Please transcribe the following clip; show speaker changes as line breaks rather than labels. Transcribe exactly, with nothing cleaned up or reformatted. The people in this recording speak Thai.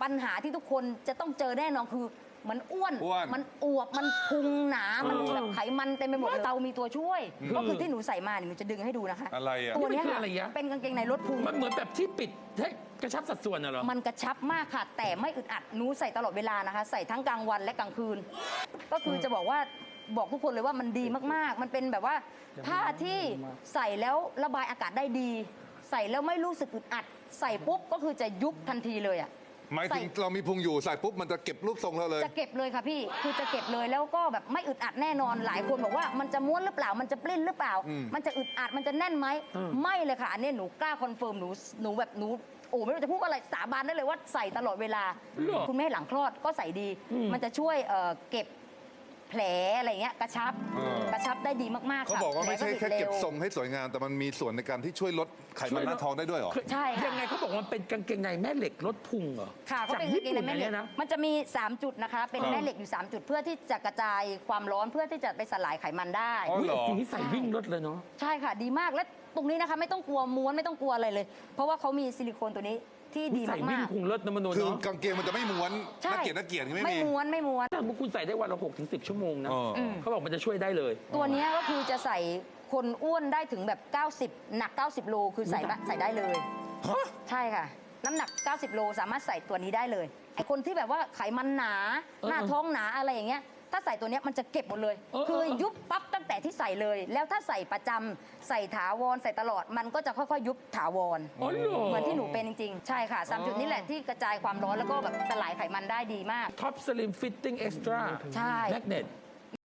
ปัญหาที่ทุกคนจะต้องเจอแน่นอนคือมันอ้วน
อ้วน
มันอวบมันพุงหนามันแบบไขมันเต็มไปหมดเลยเรามีตัวช่วย ก็คือที่หนูใส่มาเนี่ยหนูจะดึงให้ดูนะคะ
อะไรอ่ะ
ตัวเนี้ย
นี่มันคือ
ค่ะ
อะไรยะ
เป็นกางเกงในลดพุง
มันเหมือนแบบที่ปิดให้กระชับสัดส่วนน่ะเหรอ
มันกระชับมากค่ะ แต่ไม่อึดอัดหนูใส่ตลอดเวลานะคะ ใส่ทั้งกลางวันและกลางคืน ก็คือจะบอกว่าบอกทุกคนเลยว่ามันดีมากๆ มันเป็นแบบว่าผ้าที่ใส่แล้วระบายอากาศได้ดี ใส่แล้วไม่รู้สึกอึดอัด ใส่ปุ๊บก็คือจะยุบทันทีเลยอ่ะ
หมายถึง
ใส่
เรามีพุงอยู่ใส่ปุ๊บมันจะเก็บรูปทรงเราเลย
จะเก็บเลยค่ะพี่ คือจะเก็บเลยแล้วก็แบบไม่อึดอัดแน่นอน หลายคนบอกว่ามันจะม้วนหรือเปล่า มันจะปลิ้นหรือเปล่า
อืม
มันจะอึดอัด มันจะแน่นไหม ไม่เลยค่ะ อันนี้หนูกล้าคอนเฟิร์มหนูหนูแบบหนูโอ้ไม่รู้จะพูดอะไรสาบานได้เลยว่าใส่ตลอดเวลา
หรอ
คุณแม่หลังคลอดก็ใส่ดี มันจะช่วยเอ่อเก็บแผลอะไรเงี้ยกระชับ
เออ
กระชับได้ดีมากๆ
เขา
ค่ะ
บอกว่าไม่ใช่
ผล
แค่
ติด
เก็บ
ร็ว
ทรงให้สวยงาม แต่มันมีส่วนในการที่ช่วยลดไขมันหน้าท้องได้ด้วยเหรอ
ใช่ค่ะ
ยังไงเขาบอกว่ามันเป็นกางเกงในแม่เหล็กลดพุงเหรอ
ค่ะเขา
จาก
เป็น
ญี่
กางเกง
ปุ่น
ใน
อั
แม่
น
เหล็
เนี้
ก
ยนะ
มันจะมี สาม จุดนะคะ เป็นแม่เหล็กอยู่ สาม จุดเพื่อที่จะกระจายความร้อนเพื่อที่จะไปสลายไขมันได้
อ๋อ
อุ๊ย
เหรอ
สีใส่วิ่งรถเลยเนาะ
ใช่ค่ะดีมากและตรงนี้นะคะไม่ต้องกลัวม้วนไม่ต้องกลัวอะไรเลย เพราะว่าเขามีซิลิโคนตัวนี้ที่ดี
ใส่วิ่
มาง ก
พุงรถนะมโน
คือ
เนาะ
กางเกงมันจะไม่ม้วน
ๆใช่
น่าเกลียดน่าเกลียดไม่
ไม่
มี
ม้วนไม่ม้วน
ถ้าคุณใส่ได้วันละหกถึงสิบชั่วโมงนะ
เอออืม
เขาบอกมันจะช่วยได้เลย
ตัวเนี้ยก็คือจะใส่คนอ้วนได้ถึงแบบ เก้าสิบ หนัก เก้าสิบ โลคือใส่ใส่ได้เลย
ฮะ
ใช่ค่ะ น้ำหนัก เก้าสิบ โลสามารถใส่ตัวนี้ได้เลยไอคนที่แบบว่าไขมันหนา หน้าท้องหนาอะไรอย่างเงี้ยถ้าใส่ตัวเนี้ยมันจะเก็บหมดเลย
เออ
คือ
เออ
ยุบปั๊บตั้งแต่ที่ใส่เลย แล้วถ้าใส่ประจำใส่ถาวรใส่ตลอดมันก็จะค่อยๆ ยุบถาวร
อ๋อเหรอ
เหมือนที่หนูเป็นจริงๆ ใช่ค่ะสามจุดนี้แหละที่กระจายความร้อนแล้วก็แบบสลายไขมันได้ดีมาก
ท็อปสลิมฟิตติ้งเอ็กซ์ตร้า
ใช่
แมกเนต